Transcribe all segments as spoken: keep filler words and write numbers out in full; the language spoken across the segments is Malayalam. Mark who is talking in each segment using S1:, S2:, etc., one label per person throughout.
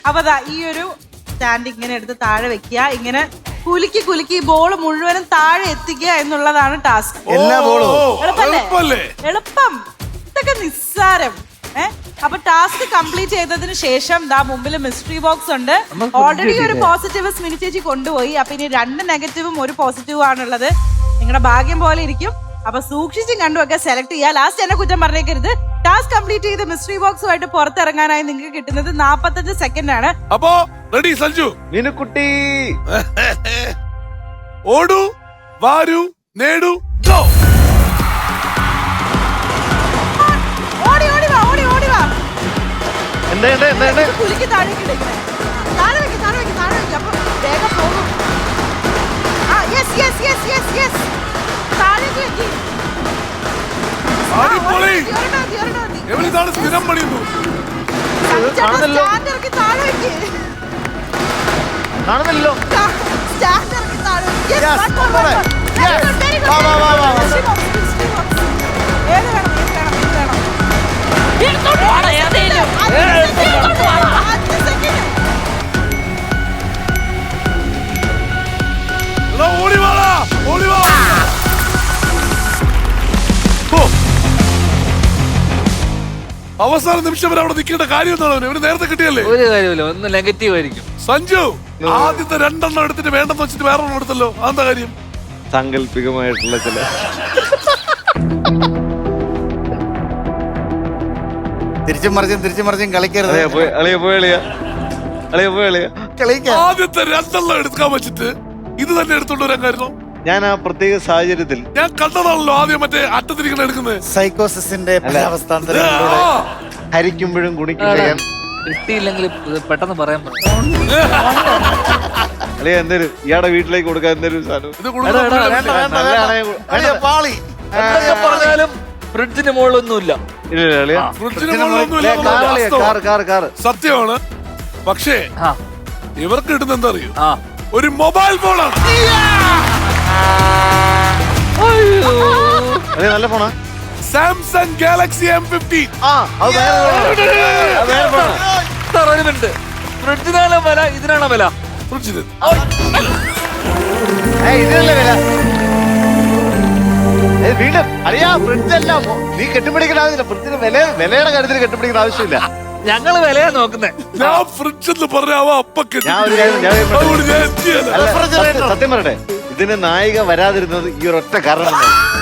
S1: അപ്പൊ ദാ ഈ ഒരു സ്റ്റാൻഡ് ഇങ്ങനെ എടുത്ത് താഴെ വെക്കുക, ഇങ്ങനെ കുലുക്കി കുലുക്കി ബോൾ മുഴുവനും താഴെ എത്തിക്കുക എന്നുള്ളതാണ് ടാസ്ക്.
S2: എല്ലാ ബോളും
S1: എളുപ്പല്ലേ? എളുപ്പം. ഇതൊക്കെ നിസ്സാരം. ഏഹ് അപ്പൊ ടാസ്ക് കംപ്ലീറ്റ് ചെയ്തതിന് ശേഷം ദാ മുമ്പിൽ മിസ്റ്ററി ബോക്സ് ഉണ്ട്. ഓൾറെഡി ഒരു പോസിറ്റീവ് സ്മിനി ചേച്ചി കൊണ്ടുപോയി. അപ്പൊ ഇനി രണ്ട് നെഗറ്റീവും ഒരു പോസിറ്റീവും ആണുള്ളത്. നിങ്ങളുടെ ഭാഗ്യം പോലെ ഇരിക്കും. അപ്പൊ സൂക്ഷിച്ചും കണ്ടുമൊക്കെ സെലക്ട് ചെയ്യുക. ലാസ്റ്റ് എന്നെ കുറ്റം പറഞ്ഞേക്കരുത്. ടാസ്ക് കംപ്ലീറ്റ് ചെയ്ത് മിസ്റ്ററി ബോക്സുമായിട്ട് പുറത്തിറങ്ങാനായി നിങ്ങൾക്ക് കിട്ടുന്നത് നാപ്പത്തഞ്ച് സെക്കൻഡ് ആണ്.
S3: അപ്പോ റെഡി സഞ്ജു?
S2: മീനുക്കുട്ടി
S3: ഓടു വാരു നേടു ഗോ.
S1: ഓടി ഓടി വാ, ഓടി ഓടി വാ.
S2: എന്താ എന്താ എന്താ എന്താ
S1: കുലുക്കി താഴേക്ക് ഇടയ്ക്കണേ. താഴെ വെക്ക്, താഴെ വെക്ക്, താഴെ വെക്ക്. അപ്പൊ വേഗം പോകും. ആ yes yes yes yes yes. താഴേക്ക് വെക്ക്.
S3: അടിപൊളി.
S1: ഒരെണ്ണം മതി, ഒരെണ്ണം മതി.
S3: എവിടെയാണ് സ്ഥിരം പണിയുന്നു?
S2: കാണുന്നല്ലോ
S1: സ്റ്റാൻഡ് ഇറക്കി താഴെ വെക്ക്.
S2: കാണുന്നില്ലല്ലോ.
S1: സ്റ്റാൻഡ് ഇറക്കി താഴെ വെക്ക്. Yes,
S2: Yes,
S1: one more, one
S2: പോരെ.
S1: more. Very
S2: Yes.
S1: good, very good.
S2: വാ, വാ, വാ, വാ, വാ.
S1: Mystery box, mystery box. ഏത് വേണം, ഏത് വേണം, ഏത് വേണം?
S4: എടുത്തോണ്ട് പോടാ, ഏതേലും.
S1: അഞ്ച് second. അഞ്ച് second.
S3: എടാ, ഓടി വാടാ, ഓടി വാ. ഓ. അവസാന നിമിഷം വരെ അവിടെ നിൽക്കേണ്ട കാര്യം എന്താണ്? ഇവര് നേരത്തെ കിട്ടിയല്ലേ?
S5: ഒരു കാര്യമില്ല, ഒന്ന് നെഗറ്റീവ് ആയിരിക്കും.
S3: സഞ്ജു ആദ്യത്തെ രണ്ടെണ്ണം എടുത്തിട്ട് വേണ്ടെന്ന് വെച്ചിട്ട് വേറെ ഒന്നും എടുത്തല്ലോ, അതെന്താ കാര്യം?
S2: സാങ്കല്പികമായിട്ടുള്ള ചില
S6: തിരിച്ചും മറിച്ചും തിരിച്ചും മറിച്ചും കളിക്കരുത്.
S2: അളിയ പോയി അളിയ പോയി അളിയ അളിയ പോയി അളിയ
S6: കളിക്കാം.
S3: ആദ്യത്തെ രണ്ടെണ്ണം എടുക്കാൻ വെച്ചിട്ട് ഇത് തന്നെ എടുത്തോണ്ട് വരാൻ കാരണം
S2: ഞാൻ ആ പ്രത്യേക സാഹചര്യത്തിൽ
S3: ഞാൻ കണ്ടതാണല്ലോ ആദ്യം മറ്റേ അറ്റത്തിരിക്കണ എടുക്കുന്നത്.
S6: സൈക്കോസിന്റെ
S3: ആ,
S6: അവസ്ഥാന്തരങ്ങളിലൂടെ
S2: ഹരിക്കുമ്പോഴും ഗുണിക്കുമ്പോഴും
S5: കിട്ടിയില്ലെങ്കിൽ ഇത് പെട്ടെന്ന് പറയാൻ പറ്റും.
S2: അളിയ എന്തേലും ഇയാടെ വീട്ടിലേക്ക് കൊടുക്കാൻ എന്തേലും സാധനം
S3: ഇത് കൊടുക്കുന്ന
S5: എടാ, എടാ,
S3: പുള്ളിയുടെ
S5: വേണ്ട,
S3: വീട്ടിൽ.
S2: നല്ലതാണെങ്കിൽ
S6: അളിയ പാളി.
S5: എന്തൊക്കെ പറഞ്ഞാലും ഫ്രിഡ്ജിന് മുകളിലൊന്നുമില്ല.
S2: ഇല്ല ഇല്ല, അളിയ
S3: ഫ്രിഡ്ജിന് മുകളിലൊന്നുമില്ല
S2: കാർ
S3: എന്നുള്ളത്
S2: അളിയ
S3: വാസ്തവം.
S2: കാർ കാർ കാർ
S3: സത്യമാണ്. പക്ഷേ
S5: ആ
S3: ഇവർക്ക് കിട്ടുന്ന എന്താ അറിയോ?
S5: ആ
S3: ഒരു മൊബൈൽ ഫോണാണ്.
S2: അളിയ നല്ല ഫോണാ.
S3: Samsung Galaxy M fifteen.
S2: ആ അത് വേറെ phone ആ. അത് വേറെ phone ആ.
S5: സാർ ഒരു മിനിറ്റ്, ഫ്രിഡ്ജിനാണോ വില ഇതിനാണോ വില?
S3: ഫ്രിഡ്ജിന്
S2: ഏയ്, ഇതിനല്ലേ വില? ഏയ്, വീണ്ടും അറിയാ ഫ്രിഡ്ജല്ല, നീ കെട്ടിപ്പിടിക്കേണ്ട ആവശ്യമില്ല. ഫ്രിഡ്ജിന് വില വിലയുടെ കാര്യത്തിൽ കെട്ടിപ്പിടിക്കേണ്ട ആവശ്യമില്ല.
S5: ഞങ്ങള് വിലയാ നോക്കുന്നേ.
S3: ഞാൻ ഫ്രിഡ്ജ് എന്ന് പറഞ്ഞാവോ അപ്പൊ
S2: ഞാൻ ഒരു കാര്യം ഞാൻ ഒരു കാര്യം
S3: അതുകൊണ്ട് ഞാൻ എത്തിയല്ല.
S2: അല്ല, സത്യം- സത്യം പറയട്ടെ, ഇതിന് നായിക വരാതിരുന്നത് ഈ ഒരൊറ്റ കാരണം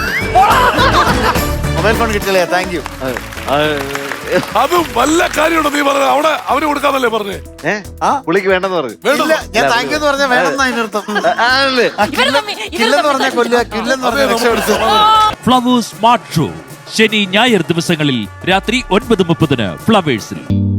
S6: മൊബൈൽ ഫോൺ കിട്ടില്ലേ? Thank you.
S3: അതും വല്ല കാര്യമുണ്ടോ നീ പറഞ്ഞത്? അവിടെ അവന് കൊടുക്കാന്നല്ലേ പറഞ്ഞേ?
S2: ഏഹ്
S6: ആ
S2: പുള്ളിക്ക് വേണ്ടെന്ന് പറഞ്ഞു.
S3: വേണ്ട
S6: ഇല്ല, ഞാൻ താങ്ക് യു എന്ന് പറഞ്ഞാൽ വേണമെന്ന് അതിനർത്ഥം.
S2: ആണല്ലേ?
S4: ഇവര് തമ്മിൽ ഇവര്
S6: കില്ലെന്ന് പറഞ്ഞാൽ കൊല്ലുക, കില്ലെന്ന് പറഞ്ഞാൽ രക്ഷപ്പെടുത്തുക.
S7: ഫ്ലവേഴ്സ് സ്മാർട്ട് ഷോ ശനി ഞായർ ദിവസങ്ങളിൽ രാത്രി ഒൻപത് മുപ്പതിന് ഫ്ലവേഴ്സിൽ.